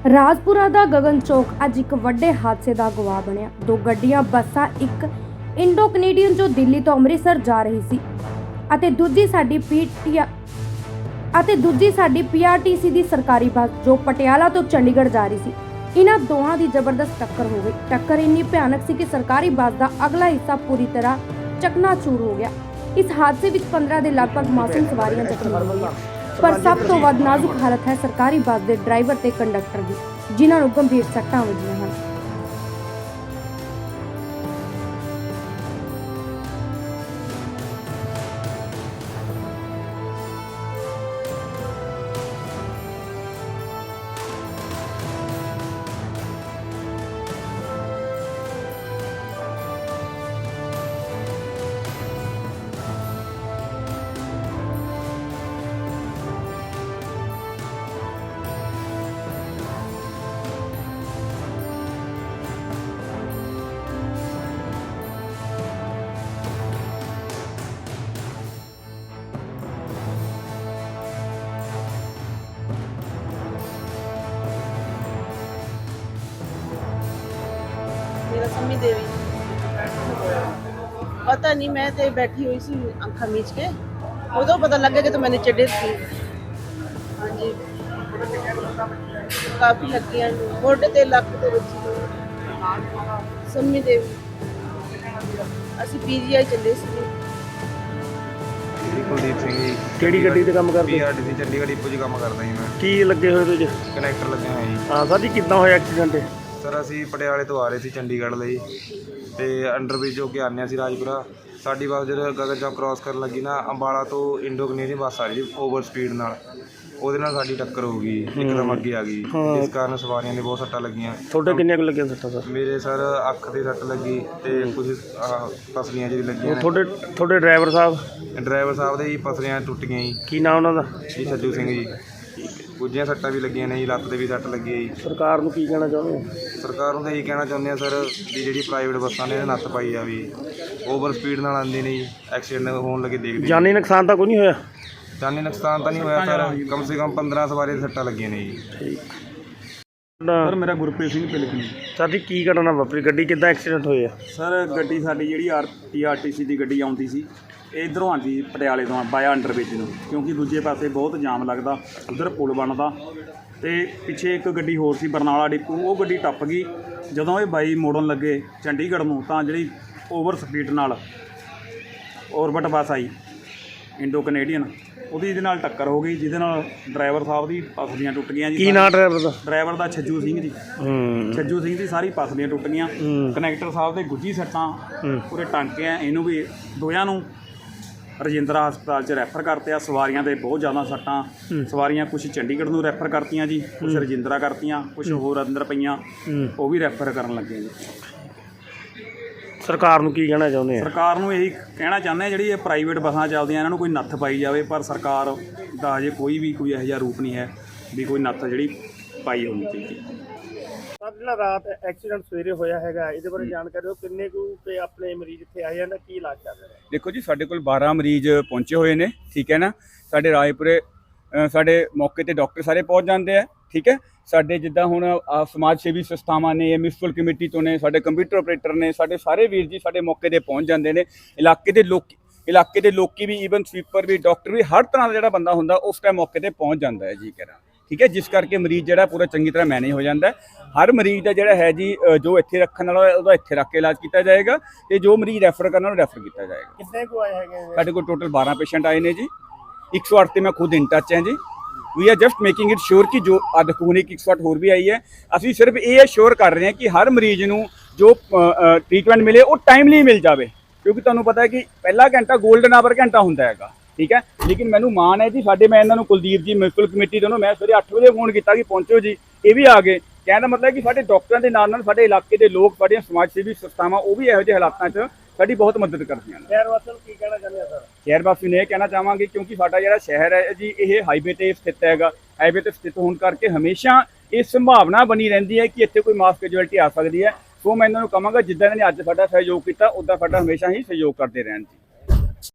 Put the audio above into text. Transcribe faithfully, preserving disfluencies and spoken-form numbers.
ਰਾਜਪੁਰਾ ਦਾ ਗगन ਚੌਕ ਅੱਜ ਇੱਕ ਵੱਡੇ ਹਾਦਸੇ ਦਾ ਗਵਾਹ ਬਣਿਆ। ਦੋ ਗੱਡੀਆਂ ਬੱਸਾਂ, ਇੱਕ ਇੰਡੋ ਕੈਨੇਡੀਅਨ ਜੋ ਦਿੱਲੀ ਤੋਂ ਅੰਮ੍ਰਿਤਸਰ ਜਾ ਰਹੀ ਸੀ ਅਤੇ ਦੂਜੀ ਸਾਡੀ ਪੀਟੀਆ ਅਤੇ ਦੂਜੀ ਸਾਡੀ ਪੀਆਰਟੀਸੀ ਦੀ ਸਰਕਾਰੀ ਬੱਸ ਜੋ ਪਟਿਆਲਾ ਤੋਂ ਚੰਡੀਗੜ੍ਹ ਜਾ ਰਹੀ ਸੀ। ਇਹਨਾਂ ਦੋਹਾਂ ਦੀ ਜ਼ਬਰਦਸਤ ਟੱਕਰ ਹੋ ਗਈ। ਟੱਕਰ ਇੰਨੀ ਭਿਆਨਕ ਸੀ ਕਿ ਸਰਕਾਰੀ ਬੱਸ ਦਾ ਅਗਲਾ ਹਿੱਸਾ ਪੂਰੀ ਤਰ੍ਹਾਂ ਚਕਨਾਚੂਰ ਹੋ ਗਿਆ। ਇਸ ਹਾਦਸੇ ਵਿੱਚ ਪੰਦਰਾਂ ਦੇ ਲਗਭਗ ਮਾਸੂਮ ਸਵਾਰੀਆਂ ਜ਼ਖਮੀ ਹੋਈਆਂ, ਪਰ ਸਭ ਤੋਂ ਵੱਧ ਨਾਜ਼ੁਕ ਹਾਲਤ ਹੈ ਸਰਕਾਰੀ ਬੱਸ ਦੇ ਡਰਾਈਵਰ ਤੇ ਕੰਡਕਟਰ ਦੀ, ਜਿਨ੍ਹਾਂ ਨੂੰ ਗੰਭੀਰ ਸੱਟਾਂ ਵੱਜੀਆਂ ਹਨ। मेरा सम्मी देवी पता नहीं, मैं तो बैठी हुई सी अखा मीच के, उदो पता लग गया कि तो मैंने चढ़े थी। हाँ जी, काफ़ी लग गया मोटे ते लक ते बची। सम्मी देवी असी पीजीआई चले सी। ਕੁਲਦੀਪ ਸਿੰਘ ਜੀ। ਕਿਹੜੀ ਗੱਡੀ ਤੇ ਕੰਮ ਕਰਦੇ? ਪੀਆਰਟੀਸੀ ਚੰਡੀਗੜ੍ਹ ਡਿਪੂ 'ਚ ਕੰਮ ਕਰਦਾ ਜੀ ਮੈਂ। ਕੀ ਲੱਗੇ ਹੋਏ ਤੁਸੀਂ? ਕਨੈਕਟਰ ਲੱਗਿਆ ਹੋਇਆ ਜੀ। ਹਾਂ ਸਰ ਜੀ, ਕਿੱਦਾਂ ਹੋਇਆ ਐਕਸੀਡੈਂਟ? ਸਰ ਅਸੀਂ ਪਟਿਆਲੇ ਤੋਂ ਆ ਰਹੇ ਸੀ ਚੰਡੀਗੜ੍ਹ ਲਈ ਤੇ ਅੰਡਰਬ੍ਰਿਜ ਹੋ ਕੇ ਆਉਂਦੇ ਸੀ ਰਾਜਪੁਰਾ। ਸਾਡੀ ਬੱਸ ਜਦੋਂ ਗਗਨ ਚੌਕ ਕ੍ਰਾਸ ਕਰਨ ਲੱਗੀ ਨਾ, ਅੰਬਾਲਾ ਤੋਂ ਇੰਡੋ ਕੈਨੇਡੀਅਨ ਬੱਸ ਆ ਰਹੀ ਸੀ ਓਵਰ ਸਪੀਡ ਨਾਲ, ਉਹਦੇ ਨਾਲ ਸਾਡੀ ਟੱਕਰ ਹੋ ਗਈ, ਇੱਕਦਮ ਅੱਗੇ ਆ ਗਈ, ਜਿਸ ਕਾਰਨ ਸਵਾਰੀਆਂ ਨੇ ਬਹੁਤ ਸੱਟਾਂ ਲੱਗੀਆਂ। ਤੁਹਾਡੇ ਕਿੰਨੀਆਂ ਕੁ ਲੱਗੀਆਂ ਸੱਟਾਂ ਸਰ? ਮੇਰੇ ਸਰ ਅੱਖ ਤੇ ਸੱਟ ਲੱਗੀ ਤੇ ਕੁਝ ਆਹ ਪਸਲੀਆਂ ਜਿਹੀ ਲੱਗੀਆਂ। ਤੁਹਾਡੇ ਤੁਹਾਡੇ ਡਰਾਈਵਰ ਸਾਹਿਬ? ਡਰਾਈਵਰ ਸਾਹਿਬ ਦੇ ਜੀ ਪਸਲੀਆਂ ਟੁੱਟ ਗਈਆਂ ਜੀ। ਕੀ ਨਾਮ ਉਹਨਾਂ ਦਾ? ਜੀ ਸੱਜੂ ਸਿੰਘ ਜੀ। ਕੁਝੀਆਂ ਸੱਟਾਂ ਵੀ ਲੱਗੀਆਂ ਨੇ ਜੀ, ਲੱਤ ਤੇ ਵੀ ਸੱਟ ਲੱਗੀ ਹੈ ਜੀ। ਸਰਕਾਰ ਨੂੰ ਕੀ ਕਹਿਣਾ ਚਾਹੁੰਦੇ ਹੋ? ਸਰਕਾਰ ਨੂੰ ਤਾਂ ਇਹੀ ਕਹਿਣਾ ਚਾਹੁੰਦੇ ਆ ਸਰ ਵੀ ਜਿਹੜੀ ਪ੍ਰਾਈਵੇਟ ਬੱਸਾਂ ਨੇ ਨੱਥ ਪਾਈ ਆ, ਵੀ ਓਵਰ ਸਪੀਡ ਨਾਲ ਆਉਂਦੀ ਨੇ ਜੀ, ਐਕਸੀਡੈਂਟ ਹੋਣ ਲੱਗੇ ਦੇਖਦੇ। ਜਾਨੀ ਨੁਕਸਾਨ ਤਾਂ ਕੋਈ ਨਹੀਂ ਹੋਇਆ? ਜਾਨੀ ਨੁਕਸਾਨ ਤਾਂ ਨਹੀਂ ਹੋਇਆ ਸਰ, ਕਮ ਸੇ ਕਮ ਪੰਦਰਾਂ ਸਵਾਰੀ ਦੀਆਂ ਸੱਟਾਂ ਲੱਗੀਆਂ ਨੇ ਜੀ। ਠੀਕ ਸਰ ਮੇਰਾ ਗੁਰਪ੍ਰੀਤ ਸਿੰਘ ਪਿਲਖਣੀ। ਸਰ ਜੀ, ਕੀ ਘਟਨਾ ਵਾਪਰੀ? ਗੱਡੀ ਕਿੱਦਾਂ ਐਕਸੀਡੈਂਟ ਹੋਇਆ? ਸਰ ਗੱਡੀ ਸਾਡੀ ਜਿਹੜੀ R T R T C ਦੀ ਗੱਡੀ ਆਉਂਦੀ ਸੀ, ਇਹ ਇੱਧਰੋਂ ਆਉਂਦੀ ਪਟਿਆਲੇ ਤੋਂ ਬਾਇਆ ਅੰਡਰਬ੍ਰਿਜ ਨੂੰ, ਕਿਉਂਕਿ ਦੂਜੇ ਪਾਸੇ ਬਹੁਤ ਜਾਮ ਲੱਗਦਾ, ਉੱਧਰ ਪੁਲ ਬਣਦਾ ਅਤੇ ਪਿੱਛੇ ਇੱਕ ਗੱਡੀ ਹੋਰ ਸੀ ਬਰਨਾਲਾ ਡਿਪੂ, ਉਹ ਗੱਡੀ ਟੱਪ ਗਈ। ਜਦੋਂ ਇਹ ਬਾਈ ਮੋੜਨ ਲੱਗੇ ਚੰਡੀਗੜ੍ਹ ਨੂੰ ਤਾਂ ਜਿਹੜੀ ਓਵਰ ਸਪੀਡ ਨਾਲ ਔਰਬਿਟ ਬੱਸ ਆਈ ਇੰਡੋ ਕੈਨੇਡੀਅਨ, ਉਹਦੀ ਇਹਦੇ ਨਾਲ ਟੱਕਰ ਹੋ ਗਈ, ਜਿਹਦੇ ਨਾਲ ਡਰਾਈਵਰ ਸਾਹਿਬ ਦੀ ਪਸਲੀਆਂ ਟੁੱਟ ਗਈਆਂ ਜੀ। ਕੀ ਨਾਂ ਡਰਾਈਵਰ ਦਾ? ਡਰਾਈਵਰ ਦਾ ਛੱਜੂ ਸਿੰਘ ਜੀ। ਹੂੰ ਛੱਜੂ ਸਿੰਘ ਦੀ ਸਾਰੀ ਪਸਲੀਆਂ ਟੁੱਟ ਗਈਆਂ। ਕਨੈਕਟਰ ਸਾਹਿਬ ਦੇ ਗੁੱਜੀ ਸੱਟਾਂ, ਪੂਰੇ ਟਾਂਕੇ ਆ, ਇਹਨੂੰ ਵੀ ਦੋਹਾਂ ਨੂੰ ਰਜਿੰਦਰਾ ਹਸਪਤਾਲ 'ਚ ਰੈਫਰ ਕਰਤੇ ਆ। ਸਵਾਰੀਆਂ ਦੇ ਬਹੁਤ ਜ਼ਿਆਦਾ ਸੱਟਾਂ, ਸਵਾਰੀਆਂ ਕੁਛ ਚੰਡੀਗੜ੍ਹ ਨੂੰ ਰੈਫਰ ਕਰਤੀਆਂ ਜੀ, ਕੁਛ ਰਜਿੰਦਰਾ ਕਰਤੀਆਂ, ਕੁਛ ਹੋਰ ਅੰਦਰ ਪਈਆਂ, ਉਹ ਵੀ ਰੈਫਰ ਕਰਨ ਲੱਗੇ ਜੀ। ਸਰਕਾਰ ਨੂੰ ਕੀ ਕਹਿਣਾ ਚਾਹੁੰਦੇ ਆ? ਸਰਕਾਰ ਨੂੰ ਇਹੀ ਕਹਿਣਾ ਚਾਹੁੰਦੇ ਆ, ਜਿਹੜੀ ਇਹ ਪ੍ਰਾਈਵੇਟ ਬੱਸਾਂ ਚੱਲਦੀਆਂ ਇਹਨਾਂ ਨੂੰ ਕੋਈ ਨੱਥ ਪਾਈ ਜਾਵੇ, ਪਰ ਸਰਕਾਰ ਦਾ ਹਜੇ ਕੋਈ ਵੀ ਕੋਈ ਇਹੋ ਜਿਹਾ ਰੂਪ ਨਹੀਂ ਹੈ ਵੀ ਕੋਈ ਨੱਥ ਜਿਹੜੀ ਪਾਈ ਹੋਣੀ ਚਾਹੀਦੀ। ਸਰ ਜਿਹੜਾ ਰਾਤ ਐਕਸੀਡੈਂਟ ਸਵੇਰੇ ਹੋਇਆ ਹੈਗਾ, ਇਹਦੇ ਬਾਰੇ ਜਾਣਕਾਰੀ ਦਿਓ। ਕਿੰਨੇ ਕੁ ਤੇ ਆਪਣੇ ਮਰੀਜ਼ ਇੱਥੇ ਆਏ ਜਾਂਦੇ, ਕੀ ਇਲਾਜ ਚੱਲ ਰਿਹਾ? ਦੇਖੋ ਜੀ, ਸਾਡੇ ਕੋਲ ਬਾਰਾਂ ਮਰੀਜ਼ ਪਹੁੰਚੇ ਹੋਏ ਨੇ, ਠੀਕ ਹੈ ਨਾ। ਸਾਡੇ ਰਾਏਪੁਰੇ ਸਾਡੇ ਮੌਕੇ ਤੇ ਡਾਕਟਰ ਸਾਰੇ ਪਹੁੰਚ ਜਾਂਦੇ ਆ, ਠੀਕ ਹੈ। ਸਾਡੇ ਜਿੱਦਾਂ ਹੁਣ ਸਮਾਜ ਸੇਵੀ ਸੰਸਥਾਵਾਂ ਨੇ, ਮਿਊਨਿਸਪਲ ਕਮੇਟੀ ਤੋਂ ਨੇ, ਸਾਡੇ ਕੰਪਿਊਟਰ ਆਪਰੇਟਰ ਨੇ, ਸਾਡੇ ਸਾਰੇ ਵੀਰ ਜੀ ਸਾਡੇ ਮੌਕੇ ਤੇ ਪਹੁੰਚ ਜਾਂਦੇ ਨੇ। ਇਲਾਕੇ ਦੇ ਲੋਕ ਇਲਾਕੇ ਦੇ ਲੋਕੀ ਵੀ, ਈਵਨ ਸਵੀਪਰ ਵੀ, ਡਾਕਟਰ ਵੀ, ਹਰ ਤਰ੍ਹਾਂ ਦਾ ਜਿਹੜਾ ਬੰਦਾ ਹੁੰਦਾ ਉਸ ਟਾਈਮ ਮੌਕੇ ਤੇ ਪਹੁੰਚ ਜਾਂਦਾ ਹੈ ਜੀ ਕਰਾਂ, ਠੀਕ ਹੈ। ਜਿਸ ਕਰਕੇ ਮਰੀਜ਼ ਜਿਹੜਾ ਪੂਰਾ ਚੰਗੀ ਤਰ੍ਹਾਂ ਮੈਨੇਜ ਹੋ ਜਾਂਦਾ। ਹਰ ਮਰੀਜ਼ ਦਾ ਜਿਹੜਾ ਹੈ ਜੀ, ਜੋ ਇੱਥੇ ਰੱਖਣ ਵਾਲਾ ਉਹਦਾ ਇੱਥੇ ਰੱਖ ਕੇ ਇਲਾਜ ਕੀਤਾ ਜਾਏਗਾ, ਤੇ ਜੋ ਮਰੀਜ਼ ਰੈਫਰ ਕਰਨ ਵਾਲਾ ਰੈਫਰ ਕੀਤਾ ਜਾਏਗਾ। ਕਿੰਨੇ ਕੁ ਆਏ ਹੈਗੇ? ਸਾਡੇ ਕੋਲ ਟੋਟਲ ਬਾਰਾਂ ਪੇਸ਼ੈਂਟ ਆਏ ਨੇ ਜੀ। ਇੱਕ ਸੌ ਅੱਠ ਤੇ ਮੈਂ ਖੁਦ ਇਨ ਟੱਚ ਹਾਂ ਜੀ। We are just making it sure ਕਿ ਜੋ ਅੱਜ ਹੁਣ ਇੱਕ ਸੌ ਅੱਠ ਹੋਰ ਵੀ ਆਈ ਹੈ, ਅਸੀਂ ਸਿਰਫ ਇਹ ਸ਼ੋਰ ਕਰ ਰਹੇ ਹਾਂ ਕਿ ਹਰ ਮਰੀਜ਼ ਨੂੰ ਜੋ ਟ੍ਰੀਟਮੈਂਟ ਮਿਲੇ ਉਹ ਟਾਈਮਲੀ ਮਿਲ ਜਾਵੇ, ਕਿਉਂਕਿ ਤੁਹਾਨੂੰ ਪਤਾ ਹੈ ਕਿ ਪਹਿਲਾ ਘੰਟਾ ਗੋਲਡਨ ਆਵਰ ਘੰਟਾ ਹੁੰਦਾ ਹੈਗਾ, ਠੀਕ ਹੈ। ਲੇਕਿਨ ਮੈਨੂੰ ਮਾਣ ਹੈ ਜੀ, ਸਾਡੇ ਮੈਂ ਇਹਨਾਂ ਨੂੰ ਕੁਲਦੀਪ ਜੀ ਮਿਊਨਿਸਪਲ ਕਮੇਟੀ ਤੋਂ ਮੈਂ ਸਵੇਰੇ ਅੱਠ ਵਜੇ ਫੋਨ ਕੀਤਾ ਕਿ ਪਹੁੰਚੋ ਜੀ, ਇਹ ਵੀ ਆ ਗਏ। ਕਹਿਣ ਦਾ ਮਤਲਬ ਹੈ ਕਿ ਸਾਡੇ ਡਾਕਟਰਾਂ ਦੇ ਨਾਲ ਨਾਲ ਸਾਡੇ ਇਲਾਕੇ ਦੇ ਲੋਕ, ਸਾਡੀਆਂ ਸਮਾਜ ਸੇਵੀ ਸੰਸਥਾਵਾਂ, ਉਹ ਵੀ ਇਹੋ ਜਿਹੇ ਹਾਲਾਤਾਂ 'ਚ ਸਾਡੀ ਬਹੁਤ ਮਦਦ ਕਰਦੀਆਂ ਨੇ। ਸ਼ਹਿਰ ਵਾਸੀਆਂ ਨੂੰ ਕੀ ਕਹਿਣਾ ਚਾਹੁੰਦੇ ਆ ਸਰ? ਸ਼ਹਿਰ ਵਾਸੀ ਨੂੰ ਇਹ ਕਹਿਣਾ ਚਾਹਾਂਗੇ, ਕਿਉਂਕਿ ਸਾਡਾ ਜਿਹੜਾ ਸ਼ਹਿਰ ਹੈ ਜੀ, ਇਹ ਹਾਈਵੇ ਤੇ ਸਥਿਤ ਹੈਗਾ। ਹਾਈਵੇ ਤੇ ਸਥਿਤ ਹੋਣ ਕਰਕੇ ਹਮੇਸ਼ਾ ਇਹ ਸੰਭਾਵਨਾ ਬਣੀ ਰਹਿੰਦੀ ਹੈ ਕਿ ਇੱਥੇ ਕੋਈ ਮਾਸ ਕੈਜੁਅਲਟੀ ਆ ਸਕਦੀ ਹੈ। ਸੋ ਮੈਂ ਇਹਨਾਂ ਨੂੰ ਕਹਾਂਗਾ, ਜਿੱਦਾਂ ਇਹਨਾਂ ਨੇ ਅੱਜ ਸਾਡਾ ਸਹਿਯੋਗ ਕੀਤਾ, ਉੱਦਾਂ ਸਾਡਾ ਹਮੇਸ਼ਾ ਹੀ ਸਹਿਯੋਗ ਕਰਦੇ ਰਹਿਣ ਜੀ।